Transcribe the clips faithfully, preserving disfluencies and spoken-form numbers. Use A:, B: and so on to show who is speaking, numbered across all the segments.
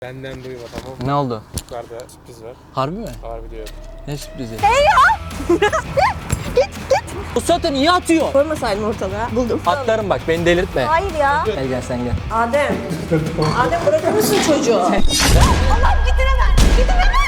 A: Benden duyma, tamam mı?
B: Ne oldu?
A: Yukarıda sürpriz var.
B: Harbi mi?
A: Harbi diyorum.
B: Ne sürprizi?
C: Hey ya! Git git!
B: O zaten niye atıyor?
C: Koymasaydın ortalığa. Buldum.
B: Atlarım bak, beni delirtme.
C: Hayır ya.
B: Gel gel sen gel.
C: Adem. Adem bırakır mısın çocuğu? Allah'ım gidin hemen. Gidin hemen.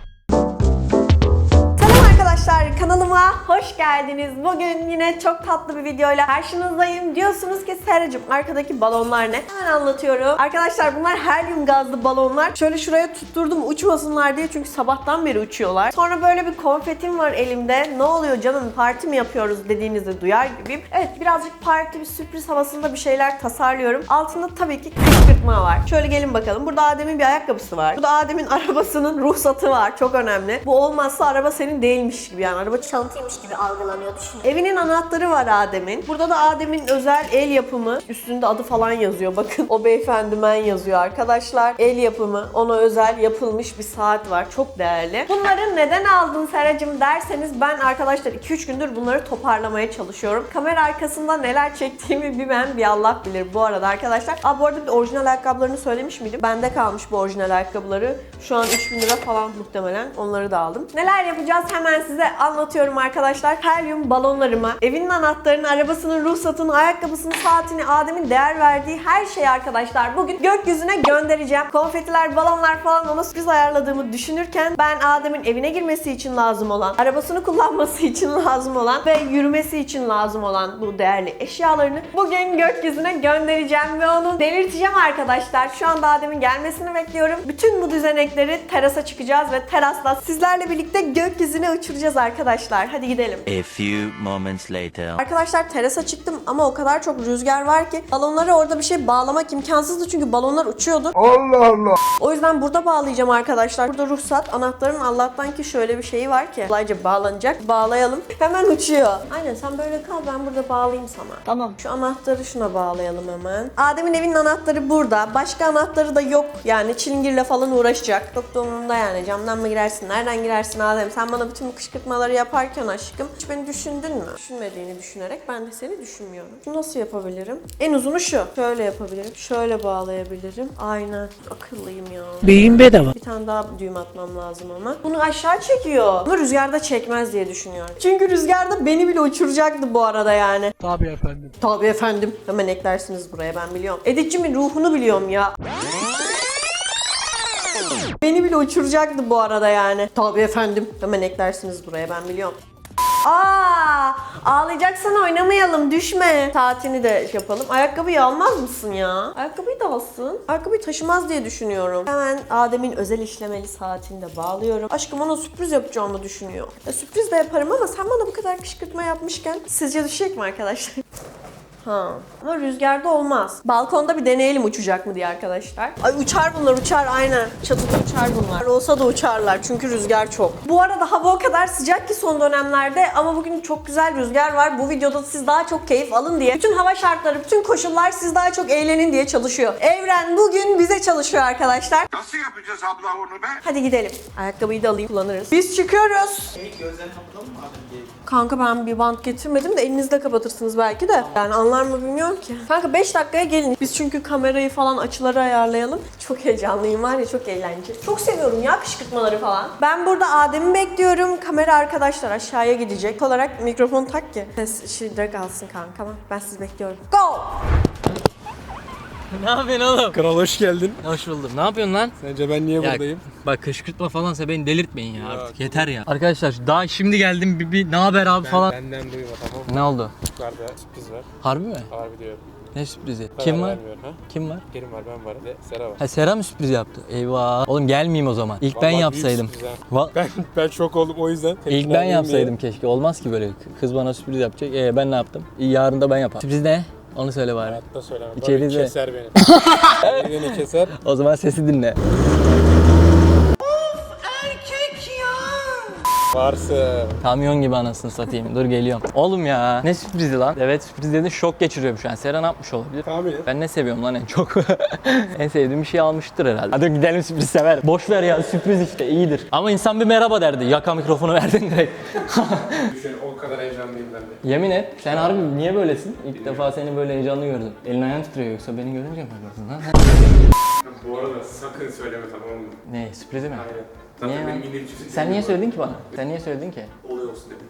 C: Selam arkadaşlar, kanalıma hoş geldiniz. Bugün yine çok tatlı bir videoyla karşınızdayım. Diyorsunuz ki Seracığım arkadaki balonlar ne? Hemen anlatıyorum. Arkadaşlar bunlar helyum gazlı balonlar. Şöyle şuraya tutturdum uçmasınlar diye çünkü sabahtan beri uçuyorlar. Sonra böyle bir konfetim var elimde. Ne oluyor canım, parti mi yapıyoruz dediğinizi duyar gibiyim. Evet, birazcık parti, bir sürpriz havasında bir şeyler tasarlıyorum. Altında tabii ki kışkırtma var. Şöyle gelin bakalım. Burada Adem'in bir ayakkabısı var. Burada Adem'in arabasının ruhsatı var. Çok önemli. Bu olmazsa araba senin değilmiş gibi, yani araba çalıntıymış gibi algılanıyor, düşün. Evinin anahtarı var Adem'in. Burada da Adem'in özel el yapımı. Üstünde adı falan yazıyor. Bakın, o beyefendi men yazıyor arkadaşlar. El yapımı, ona özel yapılmış bir saat var. Çok değerli. Bunları neden aldın Seracığım derseniz, ben arkadaşlar iki üç gündür bunları toparlamaya çalışıyorum. Kamera arkasında neler çektiğimi bir ben bir Allah bilir bu arada arkadaşlar. Aa, bu arada bir orijinal ayakkabılarını söylemiş miydim? Bende kalmış bu orijinal ayakkabıları. Şu an üç bin lira falan muhtemelen. Onları da aldım. Neler yapacağız hemen size anlatıyorum arkadaşlar. Helyum balonlarıma, evinin anahtarını, arabasının ruhsatını, ayakkabısını, saatini, Adem'in değer verdiği her şeyi arkadaşlar bugün gökyüzüne göndereceğim. Konfetiler, balonlar falan ona sürpriz ayarladığımı düşünürken ben Adem'in evine girmesi için lazım olan, arabasını kullanması için lazım olan ve yürümesi için lazım olan bu değerli eşyalarını bugün gökyüzüne göndereceğim ve onu delirteceğim arkadaşlar. Şu anda Adem'in gelmesini bekliyorum. Bütün bu düzenekleri terasa çıkacağız ve terasla sizlerle birlikte gökyüzüne uçuracağız arkadaşlar. Hadi gidelim.
D: A few moments later.
C: Arkadaşlar terasa çıktım ama o kadar çok rüzgar var ki balonlara orada bir şey bağlamak imkansızdı çünkü balonlar uçuyordu. Allah Allah. O yüzden burada bağlayacağım arkadaşlar. Burada ruhsat, anahtarın Allah'tan ki şöyle bir şeyi var ki kolayca bağlanacak. Bağlayalım. Hemen uçuyor. Aynen, sen böyle kal, ben burada bağlayayım sana. Tamam. Şu anahtarı şuna bağlayalım hemen. Adem'in evinin anahtarı burada. Başka anahtarı da yok. Yani çilingirle falan uğraşacak. Çok da umurumda yani. Camdan mı girersin? Nereden girersin Adem? Sen bana bütün bu kışkırtmaları yaparken aşkım hiç beni düşündün mü? Düşünmediğini düşünerek ben de seni düşünmüyorum. Şunu nasıl yapabilirim? En uzunu şu. Şöyle yapabilirim. Şöyle bağlayabilirim. Aynen. Akıllıyım ya.
E: Beyin bedava.
C: Bir tane daha düğüm atmam lazım ama. Bunu aşağı çekiyor. Bunu rüzgarda çekmez diye düşünüyorum. Çünkü rüzgarda beni bile uçuracaktı bu arada yani.
E: Tabii efendim.
C: Tabii efendim. Hemen eklersiniz buraya, ben biliyorum. Editçimin ruhunu biliyorum ya. Beni bile uçuracaktı bu arada yani. Tabii efendim. Hemen eklersiniz buraya, ben biliyorum. Aa, ağlayacaksan oynamayalım, düşme. Saatini de yapalım. Ayakkabıyı almaz mısın ya? Ayakkabıyı da alsın. Ayakkabıyı taşımaz diye düşünüyorum. Hemen Adem'in özel işlemeli saatini de bağlıyorum. Aşkım ona sürpriz yapacağımı düşünüyor. Ya, sürpriz de yaparım ama sen bana bu kadar kışkırtma yapmışken sizce düşecek mi arkadaşlar? Ha. Ama rüzgarda olmaz. Balkonda bir deneyelim uçacak mı diye arkadaşlar. Ay uçar bunlar, uçar aynen. Çatıda uçar bunlar. Olsa da uçarlar çünkü rüzgar çok. Bu arada hava o kadar sıcak ki son dönemlerde ama bugün çok güzel rüzgar var. Bu videoda siz daha çok keyif alın diye. Bütün hava şartları, bütün koşullar siz daha çok eğlenin diye çalışıyor. Evren bugün bize çalışıyor arkadaşlar.
F: Nasıl yapacağız abla onu be?
C: Hadi gidelim. Ayakkabıyı da alayım, kullanırız. Biz çıkıyoruz. Kanka ben bir bant getirmedim de elinizde kapatırsınız belki de. Yani anlar mı bilmiyorum ki. Kanka beş dakikaya gelin. Biz çünkü kamerayı falan, açıları ayarlayalım. Çok heyecanlıyım var ya, çok eğlenceli. Çok seviyorum ya kışkırtmaları falan. Ben burada Adem'i bekliyorum. Kamera arkadaşlar aşağıya gidecek. Olarak mikrofon tak ki ses şiddet kalsın kanka. Ben sizi bekliyorum. Go!
B: Ne yapıyorsun oğlum?
A: Kral hoş geldin.
B: Hoş buldum. Ne yapıyorsun lan?
A: Sence ben niye
B: Ya,
A: buradayım?
B: bak kışkırtma falansa beni delirtmeyin ya,
A: Ya,
B: artık
A: tamam.
B: yeter ya. Arkadaşlar daha şimdi geldim, bir, bir ne haber abi
A: Ben,
B: falan.
A: benden duyma, tamam mı?
B: Ne oldu?
A: Yukarıda sürpriz var.
B: Harbi mi?
A: Harbi diyorum.
B: Ne sürprizi?
A: Karar
B: Kim var?
A: vermiyorum, ha?
B: Kim var?
A: Kerim var, ben varım. Ve Sera var.
B: Ha, Sera mı sürpriz yaptı? Eyvah. Oğlum gelmeyeyim o zaman. İlk ben
A: Vallahi
B: yapsaydım.
A: büyük sürpriz
B: Va-
A: Ben, ben şok oldum o yüzden.
B: İlk
A: tepkiler
B: ben
A: vereyim
B: yapsaydım
A: diye.
B: keşke. Olmaz ki böyle. Kız bana sürpriz yapacak. Ee, ben ne yaptım? İyi, yarın da ben yaparım. Sürpriz ne? Onu söyle bari.
A: Hayatta söylemem.
B: İçeride.
A: İçeride. Keser beni. Beni keser.
B: O zaman sesi dinle.
A: Varsın.
B: Kamyon gibi anasını satayım. Dur geliyorum. Oğlum ya. Ne sürprizi lan? Evet, sürpriz dedin, şok geçiriyorum şu an. Sera ne yapmış olabilir?
A: Tahmin et.
B: Ben ne seviyorum lan en çok? En sevdiğim bir şey almıştır herhalde. Hadi gidelim, sürpriz sever. Boş ver ya, sürpriz işte, iyidir. Ama insan bir merhaba derdi. Yaka mikrofonu verdin direkt.
A: Düşün, o kadar heyecanlıyım ben de.
B: Yemin et. Sen harbi niye böylesin? İlk defa seni böyle heyecanlı gördüm. Elin ayağın titriyor, yoksa beni görünce mi yapıyorsun lan?
A: Bu arada sakın söyleme, tamam mı?
B: Ne, sürprizi mi?
A: Aynen. Zaten
B: Niye
A: benim
B: lan?
A: yine cüzüm
B: Sen niye söyledin ki bana? Sen niye söyledin ki?
A: Olay olsun dedim.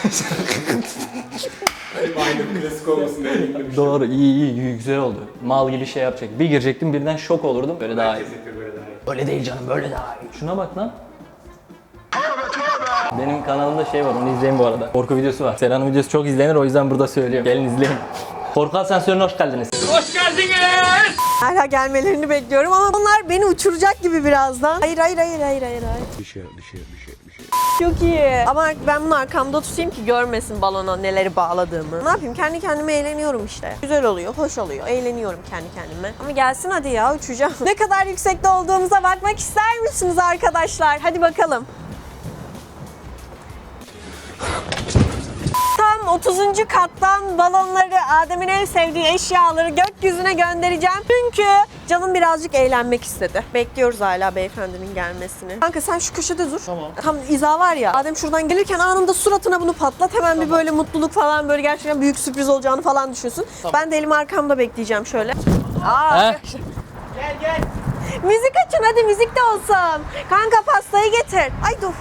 A: Benim aynı klasik olmasın diye emindim.
B: Doğru, iyi iyi, iyi, güzel oldu. Mal gibi şey yapacak. Bir girecektim birden şok olurdum. Böyle daha iyi.
A: Herkes yapıyor böyle daha iyi.
B: Öyle değil canım, böyle daha iyi. Şuna bak lan. Benim kanalımda şey var, onu izleyin bu arada. Korku videosu var. Serhan'ın videosu çok izlenir, o yüzden burada söylüyorum. Gelin izleyin. Korku Asansörü'ne hoş geldiniz.
C: Hala gelmelerini bekliyorum ama onlar beni uçuracak gibi birazdan. Hayır hayır hayır hayır hayır. hayır.
F: Bir şey, bir şey, bir şey, bir şey.
C: Çok iyi. Ama ben bunu arkamda tutayım ki görmesin balona neleri bağladığımı. Ne yapayım? Kendi kendime eğleniyorum işte. Güzel oluyor, hoş oluyor. Eğleniyorum kendi kendime. Ama gelsin hadi ya, uçacağım. Ne kadar yüksekte olduğumuza bakmak ister misiniz arkadaşlar? Hadi bakalım. Tam otuzuncu kattan balonları, Adem'in en sevdiği eşyaları gökyüzüne göndereceğim. Çünkü canım birazcık eğlenmek istedi. Bekliyoruz hala beyefendinin gelmesini. Kanka sen şu köşede dur. Tamam. Tam hiza var ya. Adem şuradan gelirken anında suratına bunu patlat. Hemen bir böyle mutluluk falan, böyle gerçekten büyük sürpriz olacağını falan düşünsün. Ben de elimi arkamda bekleyeceğim şöyle. Aa,
B: He?
C: Gel gel. Müzik açın hadi, müzik de olsun. Kanka pastayı getir. Ay dur.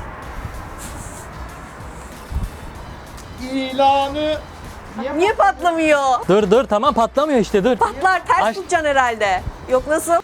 E: İlanı
C: Niye patlamıyor?
B: Dur dur, tamam patlamıyor işte, dur.
C: Patlar, ters
B: Aç.
C: tutacaksın herhalde. Yok nasıl?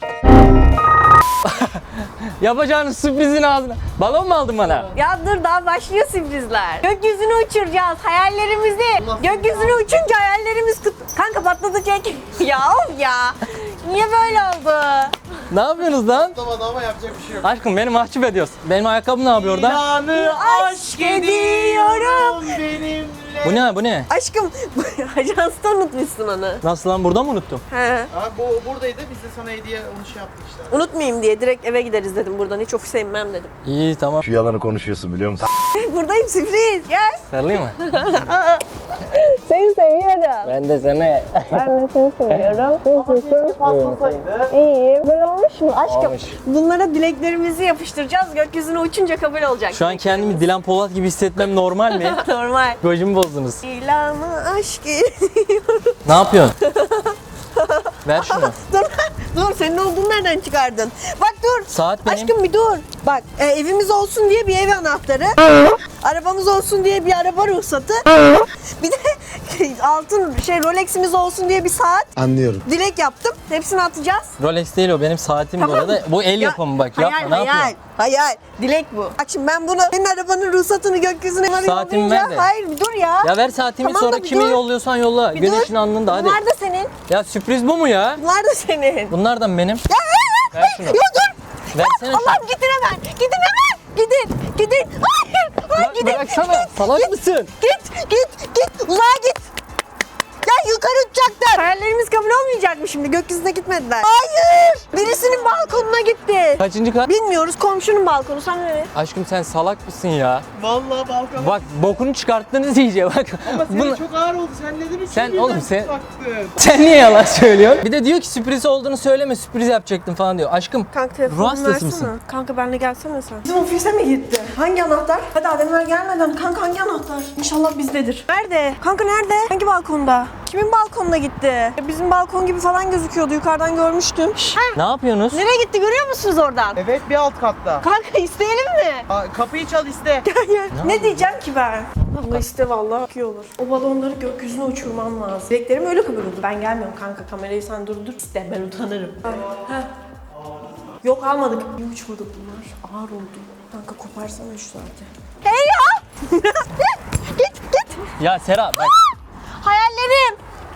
B: Yapacağınız sürprizin ağzına. Balon mu aldın bana?
C: Ya dur, daha başlıyor sürprizler. Gökyüzüne uçuracağız hayallerimizi. Gökyüzüne uçunca hayallerimiz kut... Kanka patladı çek. Ya of ya. Niye böyle oldu?
B: Ne yapıyorsunuz lan?
E: patlamadı ama yapacak bir şey yok.
B: Aşkım beni mahcup ediyorsun. Benim ayakkabım ne yapıyor orada?
E: İlanı
C: Aşk ediyorum.
E: benimle.
B: Bu ne, bu ne?
C: Aşkım ajansta unutmuşsun onu.
B: Nasıl lan, burada mı unuttum?
C: He.
E: Abi bu buradaydı, biz de sana hediye onu şey yaptık işte.
C: Unutmayayım diye direkt eve gideriz dedim buradan. Hiç ofise inmem dedim.
B: İyi tamam.
G: Şu yalanı konuşuyorsun biliyor musun?
C: Buradayım, sürpriz. Gel.
B: Sarılayım mı?
C: Seni seviyorum.
B: Ben de seni.
C: Ben de seni seviyorum.
E: Patlasaydı.
C: İyiyim. Böyle olmuş mu? Aşkım.
B: Olmuş.
C: Bunlara dileklerimizi yapıştıracağız. Gökyüzüne uçunca kabul olacak.
B: Şu an kendimi Dilan Polat gibi hissetmem normal mi?
C: Normal.
B: Gözümü bozdunuz.
C: İlanı aşk ediyorum.
B: Ne yapıyorsun? Ver şunu.
C: Dur, dur. Senin olduğunu nereden çıkardın? Bak dur.
B: Saat benim.
C: Aşkım bir dur. Bak e, evimiz olsun diye bir ev anahtarı. Arabamız olsun diye bir araba ruhsatı. Bir de altın şey Rolex'imiz olsun diye bir saat.
G: Anlıyorum.
C: Dilek yaptım. Hepsini atacağız.
B: Rolex değil o, benim saatim bu
C: Tamam.
B: arada. Bu el
C: Ya,
B: yapımı bak.
C: Hayal,
B: Yapma, ne
C: hayal,
B: yapıyorsun?
C: hayal. Dilek bu. Bak şimdi ben bunu, senin arabanın ruhsatını gökyüzüne
B: Saatimi
C: yollayınca-
B: ver de.
C: Hayır bir dur ya.
B: Ya ver saatimi,
C: Tamam da
B: sonra
C: bir
B: kimi
C: dur.
B: yolluyorsan yolla.
C: Bir
B: Güneşin
C: dur.
B: alnında hadi.
C: Bunlar da senin.
B: Ya sürpriz bu mu ya?
C: Bunlar da senin.
B: Bunlardan benim.
C: Ya,
B: Ver şunu.
C: Ya dur.
B: Versene şunu.
C: Allah'ım gidin hemen. Gidin hemen. Gidin. Gidin. Hayır. Hayır
B: Bırak-
C: gidin.
B: bıraksana.
C: Git,
B: Salak
C: git,
B: mısın?
C: Git. Git. Git. Uzağa git. Ya yukarı uçacaklar. Hayallerimiz kabul olmayacak mı şimdi? Gökyüzüne gitmediler. Hayır. Birisinin balkonuna gitti.
B: Kaçıncı kat?
C: Bilmiyoruz. Komşunun balkonu. Sen ne?
B: Aşkım sen salak mısın ya?
E: Vallahi balkona.
B: Bak bokunu çıkarttınız iyice bak.
E: Ama senin
B: Bunu-
E: çok ağır oldu. Sen neden üçüncü
B: Sen
E: birden
B: oğlum sen-
E: taktın?
B: Sen niye yalan söylüyorsun? Bir de diyor ki sürpriz olduğunu söyleme, sürpriz yapacaktım falan diyor. Aşkım
C: Kanka
B: ruh
C: telefonunu
B: hastası
C: versene.
B: mısın?
C: Kanka benimle gelsene sen. Bizim ofise mi gitti? Hangi anahtar? Hadi Ademler gelmeden. Kanka hangi anahtar? İnşallah bizdedir. Nerede? Kanka nerede? Hangi balkonda? Kimin balkonuna gitti? Bizim balkon gibi falan gözüküyordu. Yukarıdan görmüştüm. Şşş.
B: Ne yapıyorsunuz?
C: Nereye gitti görüyor musunuz oradan?
E: Evet, bir alt katta.
C: Kanka isteyelim mi?
E: Aa, kapıyı çal iste.
C: Ne diyeceğim ki ben? Allah iste vallahi çok iyi olur. O balonları gökyüzüne uçurmam lazım. Dileklerim öyle kabul oldu. Ben gelmiyorum kanka. Kamerayı sen durdur. İste ben utanırım. Heh. Yok almadık. Bir uçmadı bunlar. Ağır oldu. Kanka koparsana şu saati. Hey ya! Git git.
B: Ya Sera bak.
C: Hayallerim.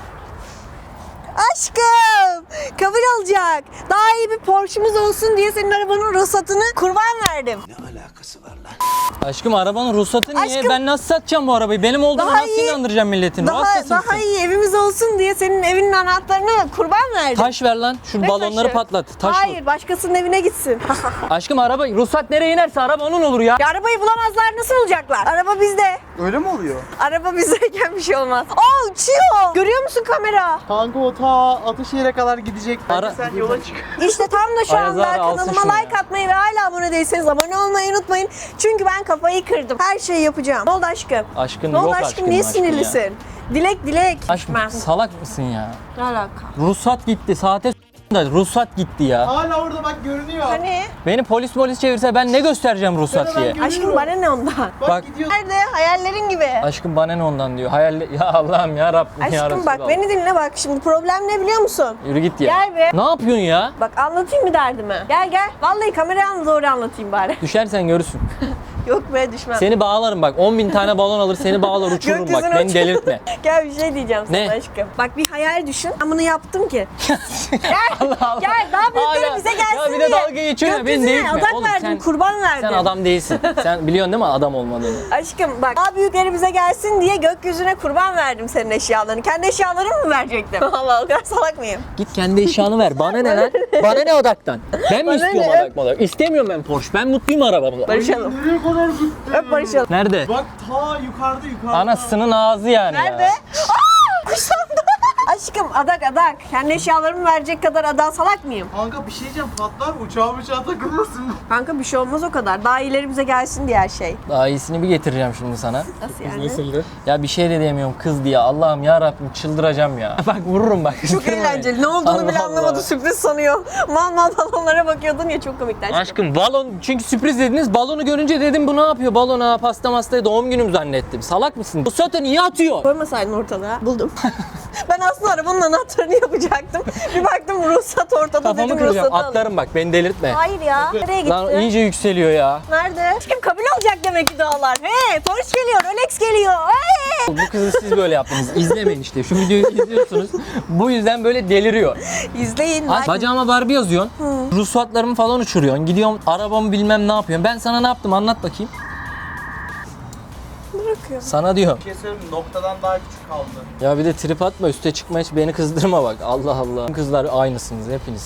C: Aşkım. Kabul olacak. Daha iyi bir Porsche'miz olsun diye senin arabanın ruhsatını kurban verdim.
B: Aşkım arabanın ruhsatı niye?
C: Aşkım.
B: Ben nasıl satacağım bu arabayı? Benim olduğumu
C: Daha
B: nasıl
C: iyi-
B: inandıracağım milletin? Ruh
C: Daha,
B: hastası
C: daha
B: mısın?
C: iyi evimiz olsun diye senin evinin anahtarını kurban verdim.
B: Taş ver lan. Şu
C: Ne
B: balonları
C: taşı?
B: patlat. Taş
C: Hayır,
B: vur.
C: başkasının evine gitsin.
B: Aşkım araba ruhsat nereye inerse araba onun olur ya.
C: Ya arabayı bulamazlar, nasıl olacaklar? Araba bizde.
E: Öyle mi oluyor?
C: Araba bizdeyken bir şey olmaz. Aa uçuyor. Görüyor musun kamera?
E: Kanka o ta Ataşehir'e kadar gidecek. Bence
B: Ara-
E: sen yola çık.
C: İşte tam da şu
B: Ayaz
C: anda
B: abi alsın
C: kanalıma
B: şunu
C: like
B: ya.
C: atmayı ve hala abone değilseniz abone olmayı unutmayın. Çünkü ben kafayı kırdım. Her şeyi yapacağım. Ne oldu aşkım?
B: Aşkın
C: Ne oldu
B: yok
C: aşkım?
B: aşkım.
C: Niye
B: aşkın
C: sinirlisin? Dilek dilek.
B: Ya. Aşkım
C: Ben-
B: salak mısın ya?
C: Ne alaka?
B: Ruhsat gitti. Saate s- Da ruhsat gitti ya.
E: Hala orada bak görünüyor.
C: Hani?
B: Beni polis polis çevirse ben ne göstereceğim ruhsat
E: Ben
B: diye.
E: hemen
C: Aşkım bana ne ondan?
E: Bak,
B: Bak.
E: gidiyor.
C: Nerede? Hayallerin gibi.
B: Aşkım bana ne ondan diyor. Hayal ya Allah'ım ya Rabbim ya
C: Aşkım bak
B: Resulallah.
C: beni dinle bak şimdi problem ne biliyor musun?
B: Yürü git ya.
C: Gel be.
B: Ne yapıyorsun ya?
C: Bak anlatayım mı derdimi? Gel gel. Vallahi kameraya al doğru anlatayım bari.
B: Düşersen görürsün.
C: Yok be düşmem.
B: Seni bağlarım bak. on bin tane balon alır seni bağlar uçururum bak.
C: Gökyüzüne
B: Beni
C: uçur-
B: delirtme.
C: Gel bir şey diyeceğim sana
B: Ne?
C: aşkım. Bak bir hayal düşün. Ben bunu yaptım ki. Gel.
B: Allah Allah.
C: Gel daha büyükleri
B: Hala-
C: bize gelsin
B: Ya bir
C: diye.
B: de dalga geçiyor ya, beni
C: Gökyüzüne
B: delirtme.
C: adak
B: Oğlum
C: verdim,
B: sen-
C: kurban verdim.
B: Sen adam değilsin. Sen biliyorsun değil mi adam olmadığını?
C: Aşkım bak daha büyükleri bize gelsin diye gökyüzüne kurban verdim senin eşyalarını. Kendi eşyalarımı mı verecektim? Allah o kadar salak mıyım?
B: Git kendi eşyanı ver. Bana ne lan? Bana ne odaktan? Ben mi
C: Bana
B: istiyorum
C: ne?
B: odak odak? İstemiyorum ben Porsche. Ben mutluyum arabamla.
C: Barışalım.
E: Nereye kadar gitti?
C: Öp barışalım.
B: Nerede?
E: Bak ta yukarıda yukarıda.
B: Anasının ağzı yani
C: Nerede?
B: ya.
C: Aa, kuş sandı. Aşkım adak adak. Kendi eşyalarımı verecek kadar adak salak mıyım?
E: Kanka bir şey diyeceğim patlar uçağa uçağa takılmasın.
C: Kanka bir şey olmaz o kadar. Daha iyileri bize gelsin diye her şey.
B: Daha iyisini bir getireceğim şimdi sana.
C: Nasıl yani?
A: Nasıldı?
B: Ya bir şey de diyemiyorum kız diye. Allah'ım ya Rabbim çıldıracağım ya. Bak vururum bak.
C: Çok eğlenceli. Ne olduğunu
B: Allah
C: bile
B: Allah.
C: anlamadı. Sürpriz sanıyor. Mal mal balonlara bakıyordun ya çok komikti aşkım.
B: Aşkım balon çünkü sürpriz dediniz. Balonu görünce dedim bu ne yapıyor? Balona pasta mastaya doğum günüm zannettim. Salak mısın? Bu zaten niye atıyor?
C: Koymasaydın ortalığa. Buldum. Ben aslında arabanın anahtarını yapacaktım. Bir baktım ruhsat ortada
B: Kafamı
C: dedim
B: kıracağım.
C: ruhsatı alayım.
B: Atlarım bak beni delirtme.
C: Hayır ya. Nereye gitti?
B: Lan iyice yükseliyor ya.
C: Nerede? Kim kabul olacak demek ki dualar. Hey Porsche geliyor, Rolex geliyor. Hey!
B: Bu kızı siz böyle yaptınız. İzlemeyin işte. Şu videoyu izliyorsunuz. Bu yüzden böyle deliriyor.
C: İzleyin.
B: Ay,
C: like-
B: bacağıma Barbie yazıyorsun. Ruhsatlarımı falan uçuruyorsun. Gidiyorum arabamı bilmem ne yapıyorsun. Ben sana ne yaptım anlat bakayım.
C: Bırakıyorum.
B: Sana diyorum.
E: Bir şey söyleyeyim mi? Noktadan daha küçük kaldı.
B: Ya bir de trip atma üste çıkma hiç beni kızdırma bak. Allah Allah. Kızlar aynısınız hepiniz.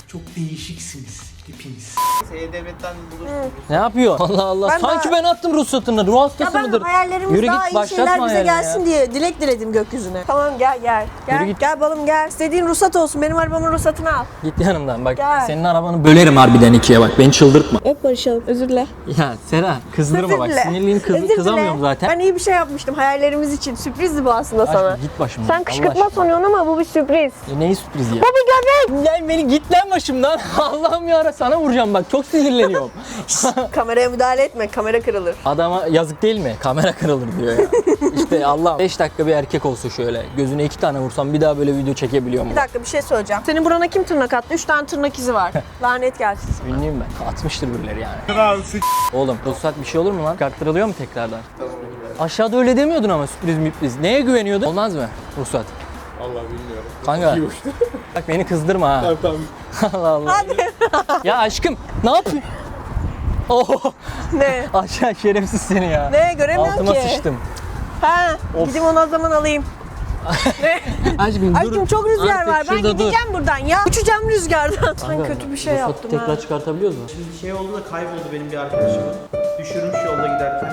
E: E-Devlet'ten bulursunuz.
B: Ne yapıyor? Allah Allah.
C: Ben
B: Sanki
C: daha-
B: ben attım ruhsatını. Ruh
C: Ya
B: hastası
C: ben
B: mıdır?
C: hayallerimiz
B: Yürü
C: daha
B: git
C: iyi
B: başlatma
C: şeyler bize
B: hayalini
C: gelsin
B: ya.
C: diye dilek diledim gökyüzüne. Tamam gel gel. Gel,
B: Yürü git.
C: gel balım gel. İstediğin ruhsat olsun. Benim arabamın ruhsatını al.
B: Git yanımdan bak.
C: Gel.
B: Senin arabanı bölerim harbiden ikiye bak. Beni çıldırtma.
C: Öp barışalım. Özür dile.
B: Ya Sera kızdırma
C: Özür
B: bak.
C: dile.
B: Sinirliyim kız,
C: Özür dile.
B: kızamıyorum zaten.
C: Ben iyi bir şey yapmıştım hayallerimiz için. Sürprizdi bu aslında
B: Aşkım
C: sana.
B: git başımdan.
C: Sen kışkırtma sanıyorsun ama bu bir sürpriz.
B: E, neyi sürpriz ya?
C: Bu bir göbek.
B: Lan beni git lan başımdan. Allah'ım ya sana vuracağım bak. Çok sinirleniyorum.
C: Kameraya müdahale etme. Kamera kırılır.
B: Adama yazık değil mi? Kamera kırılır diyor ya. İşte Allah beş dakika bir erkek olsa şöyle. Gözüne iki tane vursam bir daha böyle video çekebiliyor mu?
C: Bir dakika bir şey söyleyeceğim. Senin burana kim tırnak attı? Üç tane tırnak izi var. Lanet gelsin sana.
B: Ünlüyüm ben. Atmıştır birileri yani. Oğlum ruhsat bir şey olur mu lan? Çıkarttırılıyor mu tekrardan? Aşağıda öyle demiyordun ama sürpriz müpriz. Neye güveniyordun? Olmaz mı ruhsat?
A: Allah bilmiyorum.
B: Kanka.
A: İyi uçtu.
B: Bak beni kızdırma ha.
A: Tamam tamam.
B: Allah Allah.
C: Hadi.
B: Ya aşkım ne yapıyorsun? Oh.
C: Ne?
B: Aşağı şerefsiz seni ya.
C: Ne? Göremiyorum
B: Altıma
C: ki.
B: sıçtım.
C: Ha,
B: Of.
C: gideyim onu o zaman alayım. Ne?
B: Aşkım dur.
C: Aşkım çok rüzgar
B: Artık
C: var. Ben
B: şurada dur.
C: gideceğim buradan ya. Uçacağım rüzgardan. Ben
B: Kanka,
C: kötü bir şey
B: ruhsatı
C: yaptım
B: tekrar
C: ha.
B: çıkartabiliyoruz mu?
E: Bir şey oldu da kayboldu benim bir arkadaşım. Düşürmüş yolda giderken.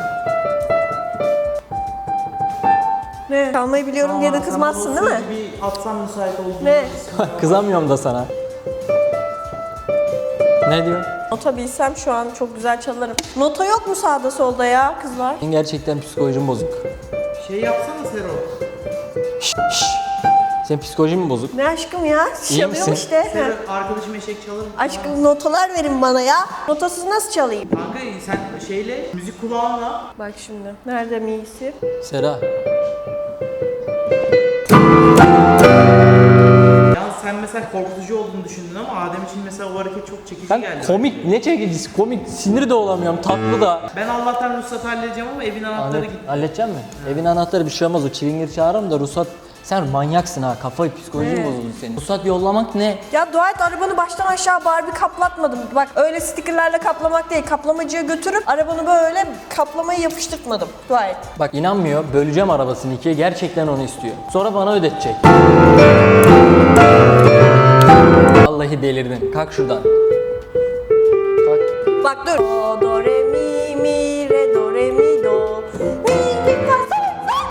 C: Ne? Çalmayı biliyorum diye de kızmazsın değil mi?
E: Bir atsam müsait olduğunu.
C: Ne?
B: Kızamıyorum da sana. Ne diyorsun?
C: Nota bilsem şu an çok güzel çalarım. Nota yok mu sağda solda ya kızlar?
B: Senin gerçekten psikolojin bozuk.
E: Şey yapsana Sero.
B: Şşş. şşş. Senin psikolojin mi bozuk?
C: Ne aşkım ya?
B: İyi
C: Çalıyorum
B: misin?
C: işte.
E: Sero
C: Ha.
E: arkadaşım eşek çalır mı?
C: Aşkım notalar verin bana ya. Notasız nasıl çalayım?
E: Kanka sen şeyle müzik kulağınla.
C: Bak şimdi. Nerede miyisi?
B: Sera.
E: Yalnız sen mesela korkutucu olduğunu düşündün ama Adem için mesela o hareket çok çekici
B: Ben
E: geldi.
B: komik, ne çekicisi? Komik, sinir de olamıyorum, tatlı da.
E: Ben Allah'tan ruhsat halledeceğim ama evin anahtarı
B: Hallet,
E: gitti.
B: halledecek mi? Evin anahtarı bir şey olmaz, o çilingir çağırırım da ruhsat... Sen manyaksın ha, kafayı, psikolojin bozuldu senin. Ruhsat yollamak ne?
C: Ya dua et arabanı baştan aşağı Barbie kaplatmadım. Bak öyle stickerlerle kaplamak değil. Kaplamacıya götürüp arabanı böyle kaplamayı yapıştırtmadım. Dua et.
B: Bak inanmıyor, böleceğim arabasını ikiye, gerçekten onu istiyor. Sonra bana ödetecek. Vallahi delirdin, kalk şuradan. Kalk.
C: Bak dur. Do, do, re, mi, mi, re, do, re, mi, do. Mi, mi, fa, sol, sol.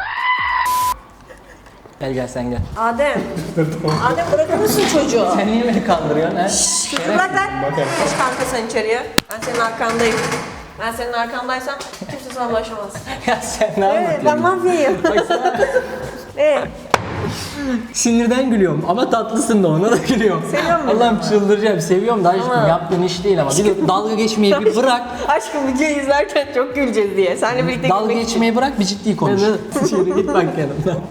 B: Gel gel sen gel.
C: Adem. Adem bırakır mısın çocuğu?
B: Sen niye beni kandırıyorsun ha?
C: Çocuğu bırak lan. Geç kanka sen içeriye. Ben senin arkandayım. Ben senin arkandaysam kimse sana ulaşamaz.
B: Ya sen ne
C: Evet, ben
B: anlatıyorsun?
C: mafyayım.
B: Bak sana...
C: Evet.
B: Sinirden gülüyorum ama tatlısın da ona da gülüyorum.
C: Seviyor musun?
B: Allah'ım çıldıracağım. Seviyorum da aşkım
C: Ama-
B: yaptığın iş değil ama. Bir de dalga geçmeyi bir bırak.
C: Aşkım videoyu izlerken çok güleceğiz diye. Seninle birlikte
B: Dalga
C: gülmek için.
B: geçmeyi bırak bir ciddi konuş. Yürü git bak yanımdan.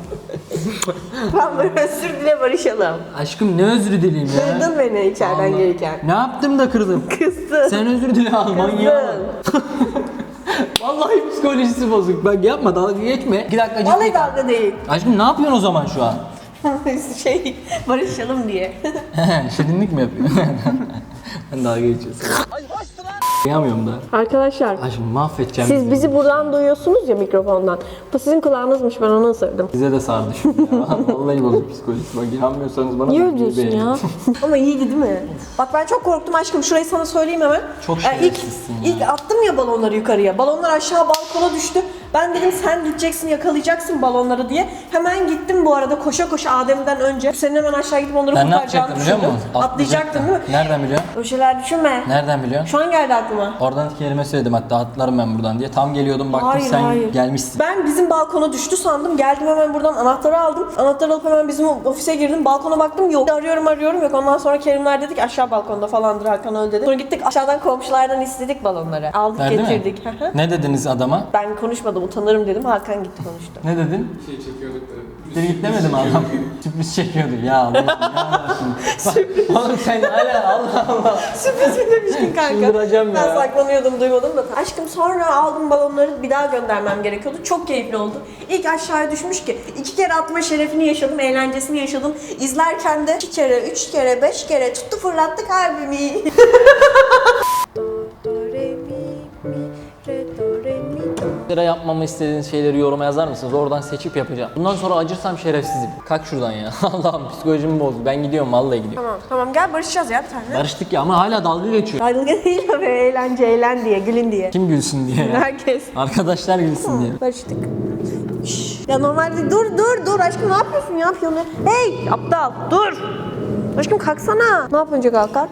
C: Ben böyle özür dile barışalım.
B: Aşkım ne özrü dileyim ya.
C: Kırdın beni içeriden
B: Allah.
C: gelirken.
B: Ne yaptım da kırdım?
C: Kızdın.
B: Sen özür dile Alman ya. Vallahi psikolojisi bozuk. Bak yapma dalga geçme. İki dakika ciddi.
C: Vallahi dalga değil.
B: Aşkım ne yapıyorsun o zaman şu an?
C: şey barışalım diye.
B: Şirinlik mi yapıyorsun? Ben dalga geçiyorsun. Ay hoştu lan. Kıyamıyorum da.
C: Arkadaşlar
B: Aşkım mahvedeceğim.
C: siz bizi buradan duyuyorsunuz ya mikrofondan. Bu sizin kulağınızmış, ben onu ısırdım.
B: Size de sardı şimdi ya. Vallahi bozuk psikolojisi. Bak inanmıyorsanız bana
C: Niye
B: da
C: öyle diyorsun
B: beğenin.
C: ya? Ama iyiydi değil mi? Bak ben çok korktum aşkım. Şurayı sana söyleyeyim hemen.
B: Çok
C: ilk,
B: şerefsizsin ya.
C: ilk attım ya balonları yukarıya. Balonlar aşağı balkona düştü. Ben dedim sen gideceksin yakalayacaksın balonları diye. Hemen gittim bu arada koşa koşa Adem'den önce. Senin hemen aşağı gidip onları
B: Ben ne
C: kurtaracağını
B: yapacaktım biliyor
C: düşündüm.
B: musun?
C: Atlayacaktın değil mi?
B: Nereden biliyorsun?
C: O şeyler düşünme.
B: Nereden biliyorsun?
C: Şu an geldi aklıma.
B: Oradan iki kelime söyledim hatta atlarım ben buradan diye. Tam geliyordum baktım
C: Hayır,
B: sen
C: hayır.
B: gelmişsin.
C: Ben bizim balkona düştü sandım. Geldim hemen buradan anahtarı aldım. Anahtarı alıp hemen bizim ofise girdim. Balkona baktım yok. Arıyorum arıyorum yok. Ondan sonra Kerimler dedik aşağı balkonda falandır Hakan öyle dedi. Sonra gittik aşağıdan komşulardan istedik balonları. Aldık
B: Verdi mi?
C: getirdik.
B: Ne dediniz adama?
C: Ben konuşmadım utanırım dedim. Hakan gitti konuştu.
B: Ne dedin?
A: Şey çekiyorduk da.
B: Geri git demedim adam. Sürpriz çekiyordu ya Allah Allah şimdi. Oğlum sen hala Allah Allah.
C: Sürpriz mi demiştin kanka?
B: Çıldıracağım
C: Ben
B: ya.
C: saklanıyordum duymadım da. Aşkım sonra aldım balonları bir daha göndermem gerekiyordu. Çok keyifli oldu. İlk aşağıya düşmüş ki iki kere atma şerefini yaşadım, eğlencesini yaşadım. İzlerken de iki kere, üç kere, beş kere tuttu fırlattı kalbimi. Do, do, re, mi, mi, re, do, re, mi, do.
B: Lira yapmamı istediğiniz şeyleri yoruma yazar mısınız? Oradan seçip yapacağım. Bundan sonra acırsam şerefsizim. Kalk şuradan ya. Allah'ım psikolojimi bozdu. Ben gidiyorum vallahi gidiyorum.
C: Tamam, tamam gel barışacağız ya bir tane.
B: Barıştık ya ama hala dalga geçiyor.
C: Dalga değil o be, eğlence, eğlen diye, gülün diye.
B: Kim gülsün diye ya.
C: Herkes.
B: Arkadaşlar gülsün diye.
C: Barıştık. Şşş. Ya normalde dur dur dur aşkım ne yapıyorsun ya piyano? Hey aptal dur. Aşkım kalksana. Ne yapınca kalkar?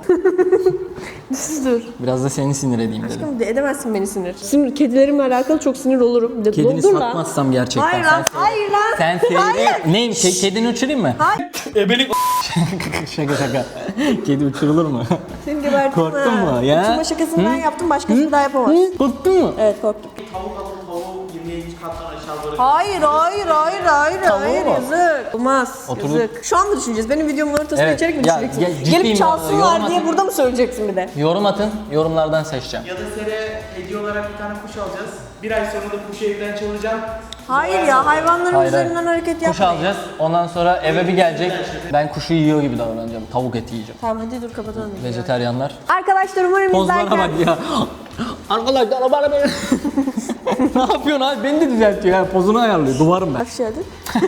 C: Düz dur.
B: Biraz da seni sinir edeyim dedim.
C: Aşkım de edemezsin beni sinir. Sinir kedilerimle alakalı çok sinir olurum. De,
B: Kedini
C: dur lan.
B: satmazsam gerçekten.
C: Hayır
B: sen
C: lan,
B: seyret.
C: hayır lan.
B: Sen seyret.
C: Hayır.
B: Neyim? Ke- kedini uçurayım mı?
C: Hayır.
B: Ebelik şaka şaka. Kedi uçurulur mu?
C: Seni gebertim
B: Korktun
C: ha.
B: mu ya?
C: Uçurma şakasını ben yaptım başkası bir daha yapamaz.
B: Korktun mu?
C: Evet korktum.
E: Tavuk alıp tavuğu yirmiye kattan aşağı doğru.
C: Hayır hayır hayır hayır
B: Tamam
C: hayır
B: mı?
C: yazık. Olmaz
B: Oturup-
C: yazık. Şu an mı düşüneceğiz? Benim videomun ortasına
B: Evet.
C: içerik mi
B: Ya,
C: düşeceksin?
B: ya, ciddiyim
C: Gelip
B: ya.
C: çalsınlar
B: Yorum
C: diye
B: atın.
C: burada mı söyleyeceksin bir de?
B: Yorum atın. Yorumlardan seçeceğim.
E: Ya da Sere hediye olarak bir tane kuş alacağız. Bir ay sonra da kuşu evden çalacağım.
C: Hayır ya hayvanların
B: Hayır,
C: üzerinden
B: hayır.
C: hareket
B: Kuş
C: yapmayın.
B: alacağız. Ondan sonra eve bir gelecek. Ben kuşu yiyor gibi davranacağım. Tavuk eti yiyeceğim.
C: Tamam hadi dur kapatalım.
B: Vejeteryanlar.
C: Arkadaşlar umarım
B: Pozlara
C: izlerken...
B: bak ya. Arkadaşlar bana beni... ne yapıyorsun abi? Beni de düzeltiyor ya. Pozunu ayarlıyor. Duvarım ben.
C: Hoş geldin.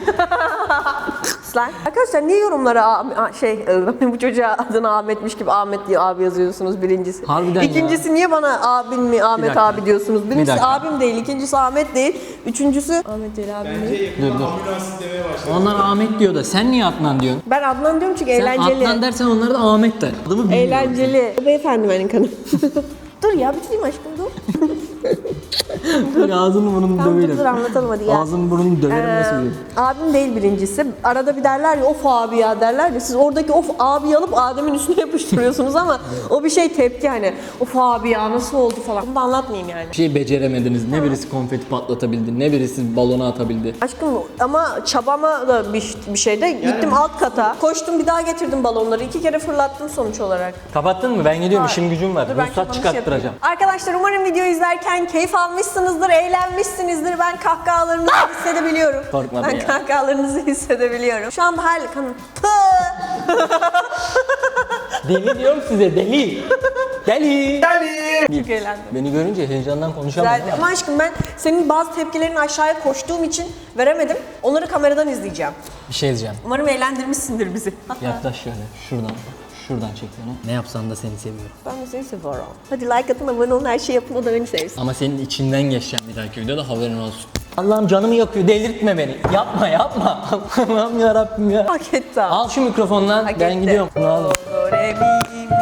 C: Slime. Arkadaşlar niye yorumlara a- a- şey bu çocuğa adını Ahmetmiş gibi Ahmet diye abi yazıyorsunuz birincisi.
B: Harbiden ya.
C: İkincisi niye bana abin mi Ahmet
B: dakika.
C: abi diyorsunuz? Birincisi
B: dakika.
C: abim değil, ikincisi Ahmet değil, üçüncüsü Ahmet değil abim değil.
B: Dur dur. Onlar Ahmet diyor da sen niye Adnan diyorsun?
C: Ben Adnan diyorum çünkü
B: Sen
C: eğlenceli.
B: Adnan dersen onlar da Ahmet der. Adımı bilmiyorum.
C: Eğlenceli. Beyefendi benim kanım. Dur ya bitireyim aşkım dur.
B: Dur ağzını burnunu
C: Tamam dur,
B: döverim.
C: dur anlatalım hadi ya.
B: Ağzını burnunu döverim
C: Ee,
B: nasıl diyeyim?
C: abim değil birincisi. Arada bir derler ya of abi ya derler ya. Siz oradaki of abi alıp Adem'in üstüne yapıştırıyorsunuz ama o bir şey tepki hani. Of abi ya nasıl oldu falan. Bunu da anlatmayayım yani.
B: Bir şey beceremediniz. Ne birisi konfeti patlatabildi, ne birisi balona atabildi.
C: Aşkım ama çabama da bir, bir şeyde gittim alt kata. Koştum bir daha getirdim balonları. İki kere fırlattım sonuç olarak.
B: Kapattın mı? Ben gidiyorum. İşim gücüm var.
C: Dur, ben
B: Ruhsat
C: kapanış
B: çıkarttıracağım.
C: yapayım. Arkadaşlar umarım videoyu izlerken keyif almışsınızdır, eğlenmişsinizdir. Ben kahkahalarınızı hissedebiliyorum.
B: Korkmadım
C: Ben
B: ya.
C: kahkahalarınızı hissedebiliyorum. Şu anda her kanım.
B: Deli diyorum size deli. Deli.
C: Çok eğlendim.
B: Beni görünce heyecandan konuşamadım.
C: Güzeldi. Ama aşkım ben senin bazı tepkilerini aşağıya koştuğum için veremedim. Onları kameradan izleyeceğim.
B: Bir şey diyeceğim.
C: Umarım eğlendirmişsindir bizi.
B: Yaklaş şöyle. Şuradan. Şuradan çek beni. Ne yapsan da seni seviyorum.
C: Ben de seni seviyorum. Hadi like atın, abone olun, her şeyi yapın, o da beni sevsin.
B: Ama senin içinden geçeceğim bir dahaki videoda haberin olsun. Allah'ım canımı yakıyor. Delirtme beni. Yapma yapma. Allah'ım yarabbim ya.
C: Hak etti.
B: Al şu mikrofondan.
C: Hak
B: Ben
C: etti.
B: gidiyorum. Bunu al.
C: Do, re, mi, mi,